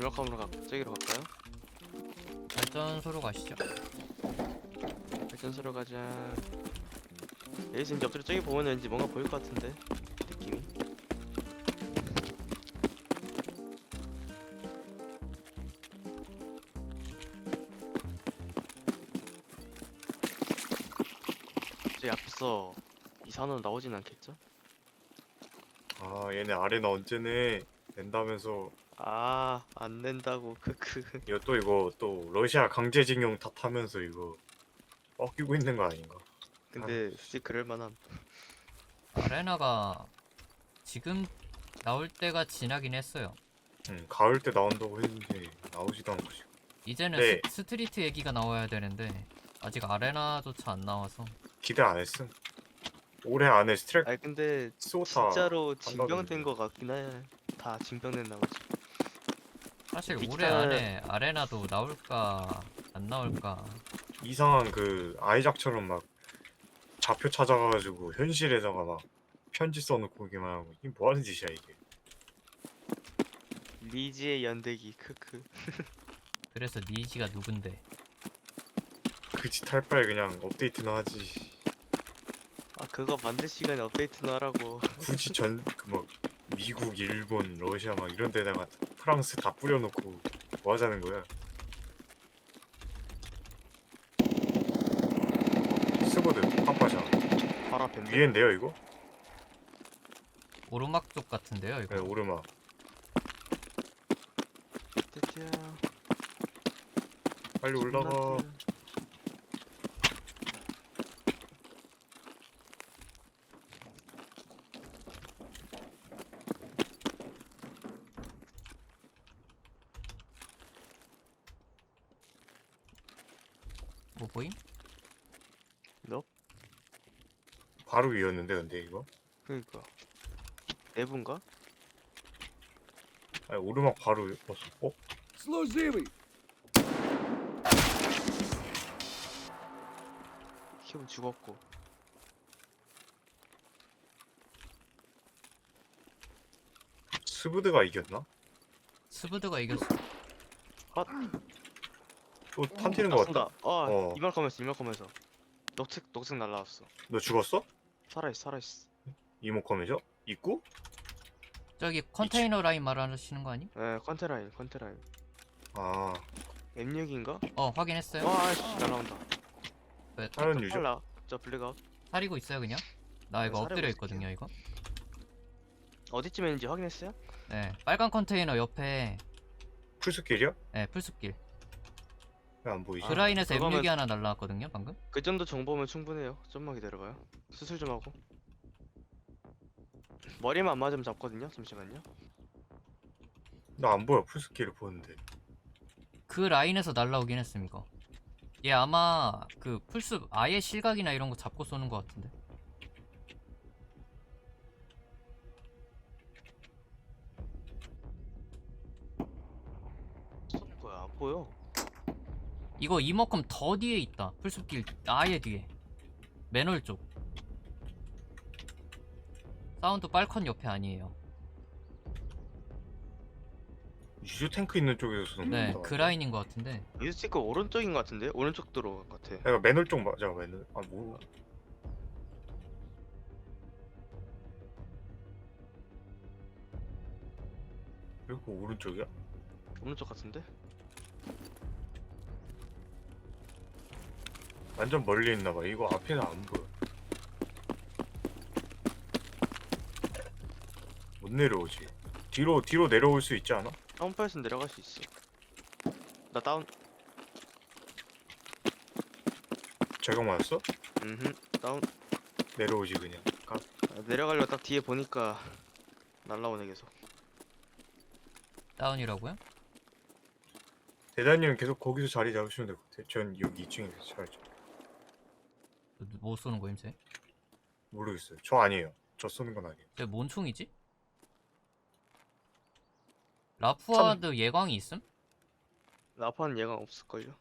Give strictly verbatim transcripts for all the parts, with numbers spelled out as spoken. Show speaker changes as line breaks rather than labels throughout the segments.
연락함으로 가, 저기로 갈까요?
발전소로 가시죠.
발전소로 가자. 여기서 이제 엎드려 저기 보면 왠지 뭔가 보일 것 같은데 느낌이. 저기 앞에서 이산으로 나오진 않겠죠?
아 얘네 아레나 언제 내? 낸다면서.
아, 안 낸다고. 크크.
이거 또 이거 또 러시아 강제징용 탓하면서 이거 꺾이고 있는 거 아닌가?
근데 솔직히 그럴 만함.
아레나가 지금 나올 때가 지나긴 했어요.
응, 가을 때 나온다고 했는데 나오지도 않고 지금.
이제는
네.
스, 스트리트 얘기가 나와야 되는데 아직 아레나조차 안 나와서.
기대 안 했음. 올해 안에 스트렉
아니 근데
스오타
진짜로
한다던데.
징병된 거 같긴 해. 다 징병된 나머지.
사실 올해
디지털-
안에 아레나도 나올까 안 나올까.
이상한 그 아이작처럼 막 좌표 찾아가가지고 현실에다가 막 편지 써놓고 오기만 하고 이게 뭐 하는 짓이야 이게.
리지의 연대기. 크크.
그래서 니지가 누군데.
그 짓 할 바에 그냥 업데이트나 하지.
아 그거 만들 시간에 업데이트나 하라고.
굳이 전 그 뭐 미국, 일본, 러시아 막 이런 데다가 프랑스 다 뿌려놓고 뭐 하자는 거야? 스보드 팝파샤
바로 앞인데.
위엔데요 이거?
오르막 쪽 같은데요 이거.
네 오르막.
띠띠야.
빨리 올라가.
뭐 보임?
너?
바로 위였는데 근데 이거?
그니까. 내분가?
아니 오르막 바로 였어. 어?
Служивый!
키움 죽었고.
스보드가 이겼나?
스브드가 이겼어.
헛.
또 탄티는
아,
거
쏜다.
같다.
아,
어.
이말 거면서 이말 거면서. 녹색 녹색 날라왔어.
너 죽었어?
살아있어 살아있어.
이모컴이죠? 입구?
저기 컨테이너 라인 말하시는 거 아니?
에 컨테라인 컨테라인.
아
엠 육인가?
어 확인했어요.
와 아이씨 날라온다.
왜
다른 유저?
빨라. 저 블랙아웃.
사리고 있어요 그냥? 나 이거
네,
엎드려
사리고
있거든요 이거.
어디쯤에 있는지 확인했어요?
네 빨간 컨테이너 옆에
풀스킬이야?
네 풀숲길.
왜 안 보이지?
아,
그 라인에서
그거면-
엠 육이 하나 날라왔거든요 방금.
그 정도 정보면 충분해요. 좀만 기다려봐요. 수술 좀 하고. 머리만 안 맞으면 잡거든요. 잠시만요.
나 안 보여 풀스킬을 보는데.
그 라인에서 날라오긴 했음 이거. 얘 아마 그 풀숲 아예 실각이나 이런 거 잡고 쏘는 거 같은데.
쏘는 거야. 안 보여.
이거 이만큼 더 뒤에 있다. 풀숲길 아예 뒤에. 맨홀 쪽. 사운드 빨컨 옆에 아니에요.
유저 탱크 있는 쪽에서 쏘는
네,
거다.
그 라인인 것 같은데.
유스티크 오른쪽인 것 같은데? 오른쪽 도로 같아.
내가 맨홀 쪽 맞아 맨홀. 아 뭐? 이거 오른쪽이야?
오른쪽 같은데?
완전 멀리 있나봐. 이거 앞에는 안 보여. 못 내려오지. 뒤로 뒤로 내려올 수 있지 않아?
다운파에서 내려갈 수 있어. 나 다운.
제가 맞았어?
음흠. 다운.
내려오지 그냥. 가.
아, 내려가려고 딱 뒤에 보니까 날라오네 계속.
다운이라고요?
대장님 계속 거기서 자리 잡으시면 될 것 같아요. 전 여기 이 층에서 자리 잡.
뭐 쏘는 거임 쟤?
모르겠어요. 저 아니에요. 저 쏘는 건 아니에요.
쟤 뭔 총이지? 라푸아드 예광이 있음?
라파는 얘가 없을걸요?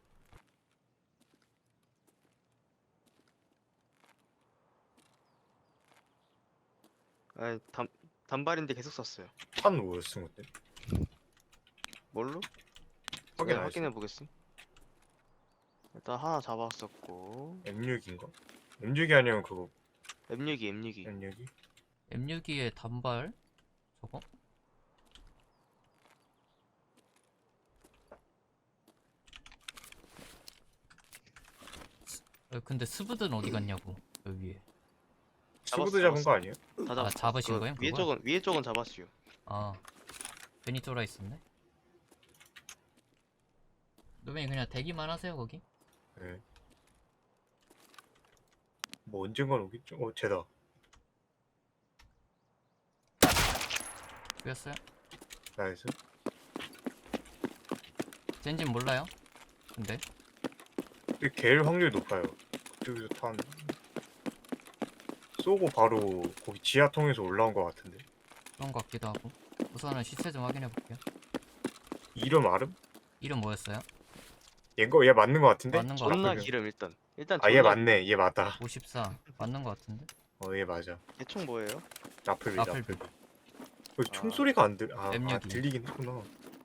아니 단, 단발인데 계속 썼어요.
탄 뭐였어 근데?
뭘로?
확인
제가
안
확인해
했어.
보겠음. 일단 하나 잡았었고
엠 육인가? 엠 육이 아니면 그거
엠 육이 엠 육이
엠 육이?
엠 육이의 단발 저거? 어, 근데 스브드는 어디 갔냐고 여기 위에.
스브드
잡았어,
잡은 거 아니에요?
다
아,
잡았어.
잡으신
그
거예요,
위에
그걸?
쪽은 위에 쪽은 잡았슈.
아 괜히 쫄아 있었네. 노벤이 그냥 대기만 하세요 거기.
네. 뭐 언젠간 오겠죠? 어 쟤다.
보였어요?
나이스.
젠진 몰라요. 근데
근데 걔일 확률이 높아요. 그쪽에서 탄 쏘고 바로 거기 지하 통해서 올라온 것 같은데.
그런 것 같기도 하고. 우선은 시체 좀 확인해 볼게요.
이름 알음?
이름 뭐였어요?
얘거 얘 맞는 것 같은데?
맞는 것
존나
라플.
기름 일단. 일단
아 얘
존나
맞네. 얘 맞다.
오십사 맞는 것 같은데.
어 얘 맞아.
대충 뭐예요?
라플비
라플비.
라플비. 그
아.
총소리가 안 들. 아, 아
엠 육이.
들리긴 했구나.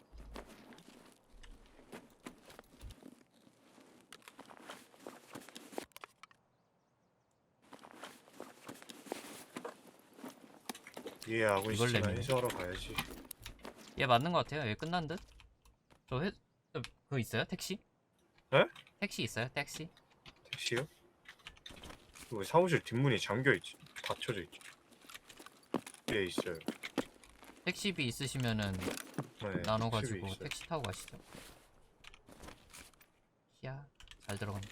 얘 하고
이걸
있으나
내미네.
해소하러 가야지.
얘 맞는 것 같아요. 얘 끝난 듯. 저 회... 저 그거 있어요? 택시?
에?
택시 있어요? 택시?
택시요? 왜 사무실 뒷문이 잠겨 있지? 닫혀져 있지? 예 있어요.
택시비 있으시면은
네,
나눠가지고
택시비 있어요.
택시 타고 가시죠. 이야 잘 들어간다.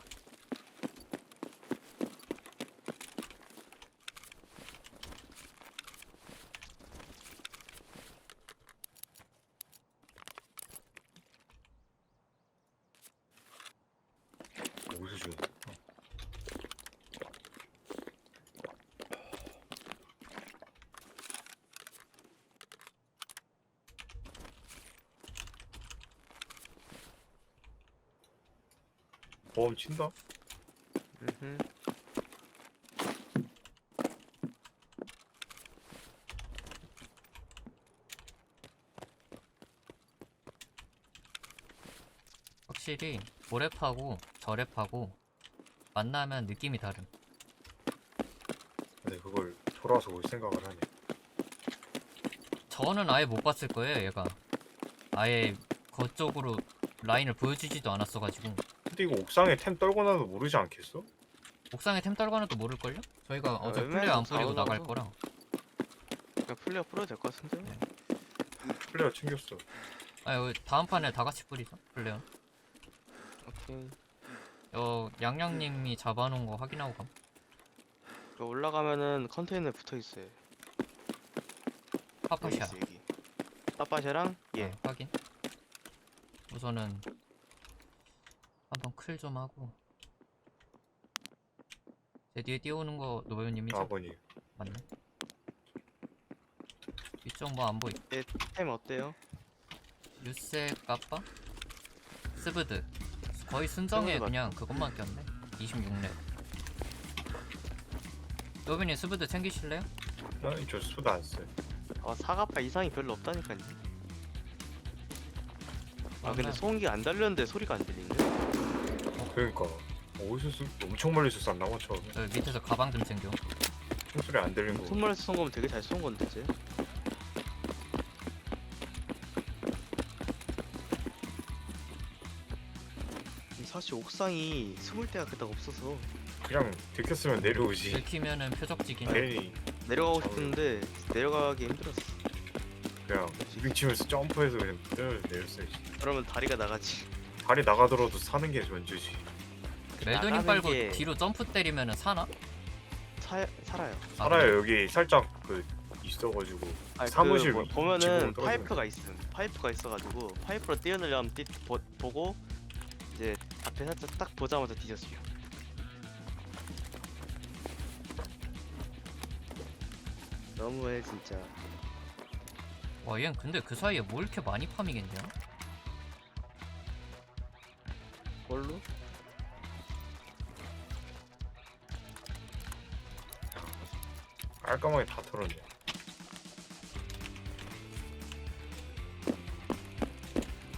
어디서 주는 거야? 보험 친다?
음흠.
확실히 고랩하고 저랩하고 만나면 느낌이 다른.
근데 그걸 돌아서 올 생각을 하네.
저는 아예 못 봤을 거예요. 얘가 아예 그쪽으로 라인을 보여주지도 않았어가지고.
근데 이거 옥상에 템 떨고 나도 모르지 않겠어?
옥상에 템 떨거나도 모를걸요? 저희가 어제
웬만해서
플레이 안 뿌리고
나오나
나갈
봐.
거라.
그냥 플레이어 풀어도 될 것 같은데?
네.
플레이어 챙겼어.
아 여기 다음 판에 다 같이 뿌리죠. 플레이어.
오케이.
어 양양님이 잡아놓은 거 확인하고 감.
그 올라가면은 컨테이너에 붙어 있어요. 여기
파파샤.
있어 여기. 따빠샤랑 예.
어, 확인. 우선은 한번 클 좀 하고. 제 뒤에 뛰어오는 거 노배우님이죠?
아버님.
맞네. 이쪽 뭐 안 보이.
템 어때요?
유세 까빠? 스브드. 거의 순정에
스브드
그냥 그것만 꼈네. 이십육 렙. 노빈이 스브드 챙기실래요?
아니 저 수도 안 써요.
아 사과파 이상이 별로 없다니까요. 아 근데
맞나?
소음기가 안 달렸는데 소리가 안 들리네.
그러니까 어디서 쏘? 엄청 멀리서 쐈나봐 처음에.
여기 밑에서 가방 좀 챙겨.
총소리 안 들린 거.
손물에서 쏜 거면 되게 잘 쏜 건데 쟤. 사실 옥상이 숨을 데가 그닥 없어서
그냥 들켰으면 내려오지.
들키면은 표적지긴 해.
괜히
내려가고 싶은데 내려가기 힘들었어.
그냥 무빙 치면서 점프해서 그냥 떨어져 내렸어야지.
그러면 다리가 나가지.
다리 나가더라도 사는 게 먼저지.
멜도님
나가는
빨고
게-
뒤로 점프 때리면은 사나?
사, 살아요.
아,
살아요. 여기 살짝 그 있어가지고
아니,
사무실
그 뭐,
위-
보면은
지붕으로 떨어지는
파이프가 있음. 파이프가 있어가지고 파이프로 뛰어내려면 뛰, 보, 보고 이제 앞에 살짝 딱 보자마자 뒤졌어요. 너무해 진짜.
와, 얘는 근데 그 사이에 뭘 이렇게 많이 파밍했냐?
뭘로?
깔끔하게 다 털었네.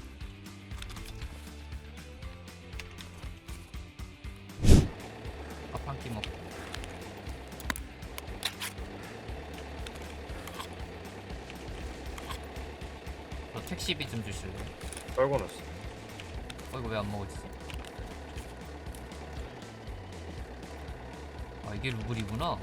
한 끼 먹고. 저 택시비 좀 주실래요?
떨궈놨어.
어 이거 왜 안 먹어지지? 아 이게 루블이구나.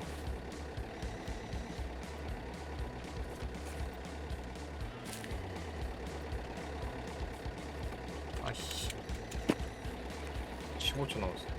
아이씨
십오 초 남았어.